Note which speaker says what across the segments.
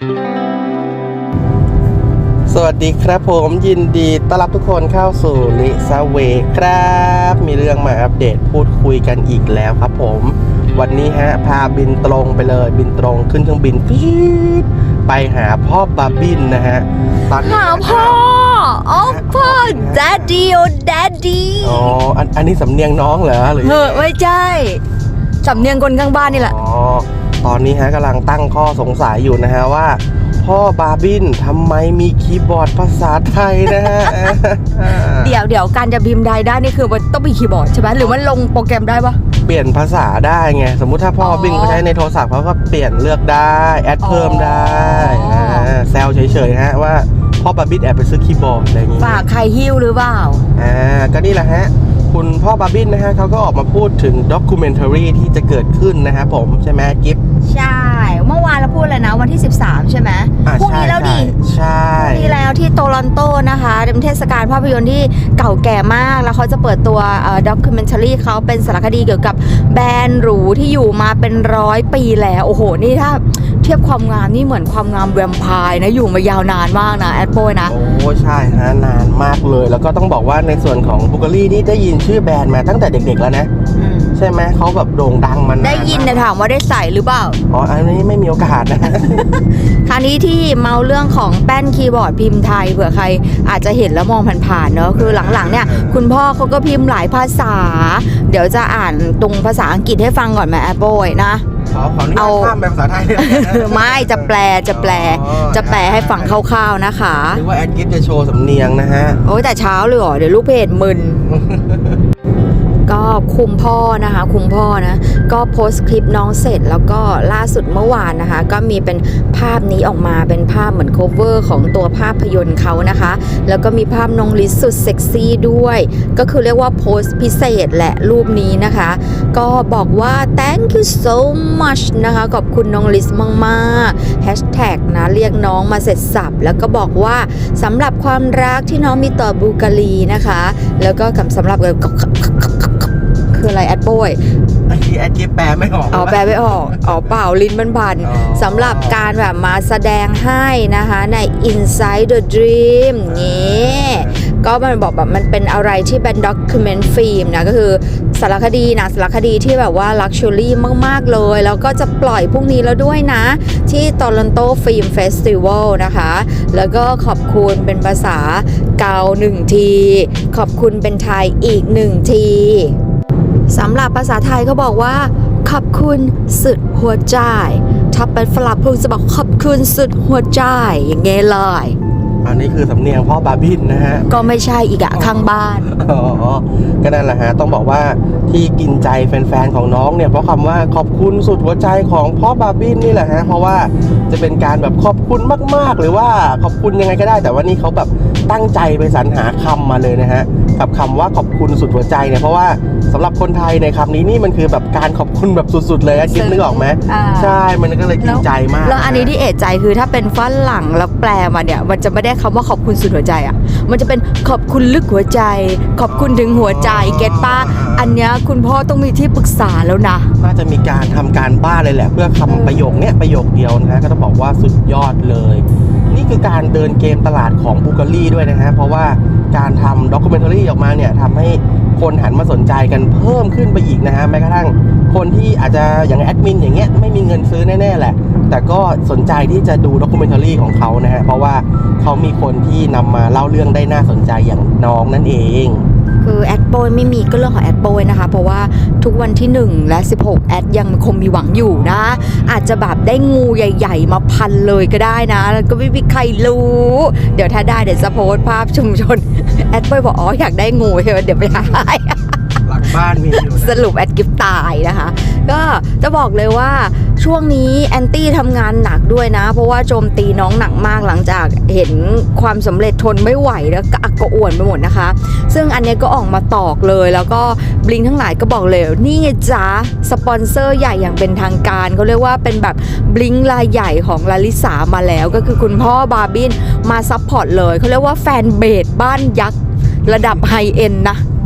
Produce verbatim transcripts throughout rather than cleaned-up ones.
Speaker 1: สวัสดีครับผมยินดีต้อนรับทุกคนเข้าสู่ลิซาเวครับมีเรื่องมาอัปเดตพูดคุยกันอีกแล้วครับผมวันนี้ฮะพาบินตรงไปเลยบินตรงขึ้นเครื่องบินฟีดไปหาพ่อบาบินนะฮะตอนนี้
Speaker 2: หาพ่อโอ้พ่อ daddy โอ้ daddy
Speaker 1: อ๋ออันอันนี้สำเนียงน้องเหรอหรือ
Speaker 2: เฮ้ยไม่ใช่สำเนียงคนข้างบ้านนี่แหละ
Speaker 1: อ๋อตอนนี้ฮะกำลังตั้งข้อสงสัยอยู่นะฮะว่าพ่อบาบินทำไมมีคีย์บอร์ดภาษาไทยนะฮะ
Speaker 2: เดี๋ยวเดี๋ยวการจะพิมพ์ได้ได้นี่คือมันต้องมีคีย์บอร์ดใช่ไหมหรือมันลงโปรแกรมได้ปะ
Speaker 1: เปลี่ยนภาษาได้ไงสมมุติถ้าพ่อบินเขาใช้ในโทรศัพท์เขาก็เปลี่ยนเลือกได้แอดเพิ่มได้แซวเฉยๆฮะว่าพ่อบาบินแอบไปซื้อคีย์บอร์ดอะไรอย่างงี้
Speaker 2: ฝากใครหิ้วหรือเปล่า
Speaker 1: อ่าก็นี่แหละฮะคุณพ่อบาบินนะฮะเขาก็ออกมาพูดถึงด็อกิเมนทารีที่จะเกิดขึ้นนะฮะผมใช่ไหมกิฟ
Speaker 2: ใช่เมื่อวานเราพูดเลยนะวันที่สิบสามใช่ไหมพรุ่งนี้แล้วดิ
Speaker 1: ใช่
Speaker 2: พรุ่งนี้แล้วที่โตลอนโตนะคะเป็นเทศกาลภาพยนตร์ที่เก่าแก่มากแล้วเขาจะเปิดตัวด็อกิเมนทารีเขาเป็นสารคดีเกี่ยวกับแบรนด์หรูที่อยู่มาเป็นร้อยปีแล้วโอ้โหนี่ถ้าเทียบความงามนี่เหมือนความงามแวมไพร์นะอยู่มายาวนานมากนะแอดโปยนะ
Speaker 1: โอ้ใช่ฮะนานมากเลยแล้วก็ต้องบอกว่าในส่วนของบุกรี่นี่ได้ยินชื่อแบรนด์มาตั้งแต่เด็กๆแล้วนะใช่ไหมเขาแบบโด่งดังมานาน
Speaker 2: ได้ยินแต่ถามว่าได้ใส่หรือเปล่า
Speaker 1: อ๋ออันนี้ไม่มีโอกาสนะ
Speaker 2: คราวนี้ที่เมาเรื่องของแป้นคีย์บอร์ดพิมพ์ไทยเผื่อใครอาจจะเห็นแล้วมองผ่านๆเนอะคือหลังๆเนี่ยคุณพ่อเขาก็พิมพ์หลายภาษาเดี๋ยวจะอ่านตรงภาษาอังกฤษให้ฟังก่อนไหมแอปโปยนะ
Speaker 1: ขอขออนุญาตข้ามแบบภาษาไทย
Speaker 2: ไม่จะแปลจะแปลจะแปลให้ฟังคร่าวๆนะคะ
Speaker 1: หรือว่าแอดกิฟจะโชว์สำเนียงนะฮะ
Speaker 2: โอ้ยแต่เช้าเลยเหรอเดี๋ยวลูกเพจมึนก็คุมพ่อนะคะคุมพ่อนะก็โพสต์คลิปน้องเสร็จแล้วก็ล่าสุดเมื่อวานนะคะก็มีเป็นภาพนี้ออกมาเป็นภาพเหมือนโคเวอร์ของตัวภาพยนตร์เขานะคะแล้วก็มีภาพน้องลิซสุดเซ็กซี่ด้วยก็คือเรียกว่าโพสต์พิเศษแหละรูปนี้นะคะก็บอกว่า thank you so much นะคะขอบคุณน้องลิซมากๆแฮชแท็กนะเรียกน้องมาเสร็จสับแล้วก็บอกว่าสำหรับความรักที่น้องมีต่อบูการีนะคะแล้วก็คำสำหรับคืออะไรแอดโบย
Speaker 1: ไอ้ที่แอดกิฟแปลไม่ออก
Speaker 2: อ๋อแปลไม่ออกอ๋อเปล่าลิ้นมันพันสำหรับการแบบมาแสดงให้นะคะใน Inside the Dream งี้ก็มันบอกแบบมันเป็นอะไรที่เป็นด็อกิเมนต์ฟิล์มนะก็คือสารคดีนะสารคดีที่แบบว่าลักชัวรี่มากๆเลยแล้วก็จะปล่อยพรุ่งนี้แล้วด้วยนะที่โตลอนโตฟิล์มเฟสติวัลนะคะแล้วก็ขอบคุณเป็นภาษาเกาหนึ่งทีขอบคุณเป็นไทยอีกหนึ่งทีสำหรับภาษาไทยเขาบอกว่าขอบคุณสุดหัวใจถ้าเป็นฝรั่งพูดจะบอกขอบคุณสุดหัวใจอย่างเงี้ยเลย
Speaker 1: อันนี้คือสำเนียงพ่อบาบินนะฮะ
Speaker 2: ก็ไม่ใช่อีกอะข้างบ้าน
Speaker 1: อ๋อก็นั่นแหละฮะต้องบอกว่าที่กินใจแฟนๆของน้องเนี่ยเพราะคำว่าขอบคุณสุดหัวใจของพ่อบาบินนี่แหละฮะเพราะว่าจะเป็นการแบบขอบคุณมากๆหรือว่าขอบคุณยังไงก็ได้แต่ว่านี่เขาแบบตั้งใจไปสรรหาคำมาเลยนะฮะกับคำว่าขอบคุณสุดหัวใจเนี่ยเพราะว่าสำหรับคนไทยในคำนี้นี่มันคือแบบการขอบคุณแบบสุดๆเลยอะคิดนึกออกไหมใช่มันก็เลยกินใจมาก
Speaker 2: แล้วอันนี้ที่เอะใจคือถ้าเป็นฝรั่งแล้วแปลมาเนี่ยมันจะไม่ได้คำว่าขอบคุณสุดหัวใจอ่ะมันจะเป็นขอบคุณลึกหัวใจขอบคุณถึงหัวใจเก็ตป้าอันเนี้ยคุณพ่อต้องมีที่ปรึกษาแล้วนะ
Speaker 1: น่าจะมีการทำการบ้านเลยแหละเพื่อคำประโยคเนี้ยประโยคเดียวนะก็ต้องบอกว่าสุดยอดเลยนี่คือการเดินเกมตลาดของบูการีด้วยนะฮะเพราะว่าการทำด็อกิเมนทารีออกมาเนี่ยทำให้คนหันมาสนใจกันเพิ่มขึ้นไปอีกนะฮะแม้กระทั่งคนที่อาจจะอย่างแอดมินอย่างเงี้ยไม่มีเงินซื้อแน่ๆแหละแต่ก็สนใจที่จะดูด็อกิเมนทารีของเขานะฮะเพราะว่าเขามีคนที่นำมาเล่าเรื่องได้น่าสนใจอย่างน้องนั่นเอง
Speaker 2: คือแอดโปยไม่มีก็เรื่องของแอดโปยนะคะเพราะว่าทุกวันที่หนึ่งและสิบหกแอดยังคงมีหวังอยู่นะอาจจะแบบได้งูใหญ่ๆมาพันเลยก็ได้นะแล้วก็ไม่มีใครรู้เดี๋ยวถ้าได้เดี๋ยวจะโพสต์ภาพชุมชนแอดโปยบอกอ๋ออยากได้งูใช่ไหมเดี๋ยวไปหา
Speaker 1: หลังบ้านมีอยู่
Speaker 2: สรุปแอดกิฟตายนะคะก็จะบอกเลยว่าช่วงนี้แอนตี้ทำงานหนักด้วยนะเพราะว่าโจมตีน้องหนักมากหลังจากเห็นความสำเร็จทนไม่ไหวแล้วก็อักกระอ่วนไปหมดนะคะซึ่งอันนี้ก็ออกมาตอกเลยแล้วก็บลิงทั้งหลายก็บอกเลยนี่ไงจ๊ะสปอนเซอร์ใหญ่อย่างเป็นทางการเขาเรียกว่าเป็นแบบบลิงรายใหญ่ของลาลิสามาแล้วก็คือคุณพ่อบาบินมาซัพพอร์ตเลยเขาเรียกว่าแฟนเบสบ้านยักษ์ระดับไฮเอ็นนะ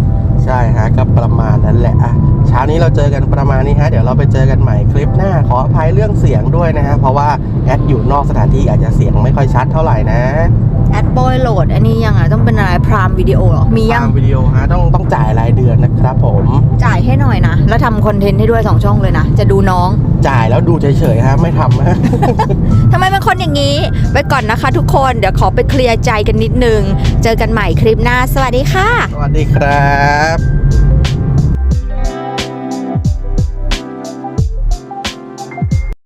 Speaker 1: ใช่ฮะก็ประมาณนั้นแหละอ่ะเช้านี้เราเจอกันประมาณนี้ฮะเดี๋ยวเราไปเจอกันใหม่คลิปหน้าขออภัยเรื่องเสียงด้วยนะฮะเพราะว่าแอดอยู่นอกสถานที่อาจจะเสียงไม่ค่อยชัดเท่าไหร่นะ
Speaker 2: แอดบอยโหลดอันนี้ยังไงต้องเป็นอะไรพรามวิดีโอหรอมียัง
Speaker 1: ตามวิดีโอฮะต้องต้องจ่ายรายเดือนนะครับผม
Speaker 2: จ่ายให้หน่อยนะ แล้วทำคอนเทนต์ให้ด้วยสองช่องเลยนะ จะดูน้อง
Speaker 1: จ่ายแล้วดูเฉยๆฮะไม่ทำฮะ
Speaker 2: ทำไมเป็นคนอย่างนี้ ไปก่อนนะคะทุกคนเดี๋ยวขอไปเคลียร์ใจกันนิดนึง เจอกันใหม่คลิปหน้าสวัสดีค่ะ
Speaker 1: สวัสดีครับ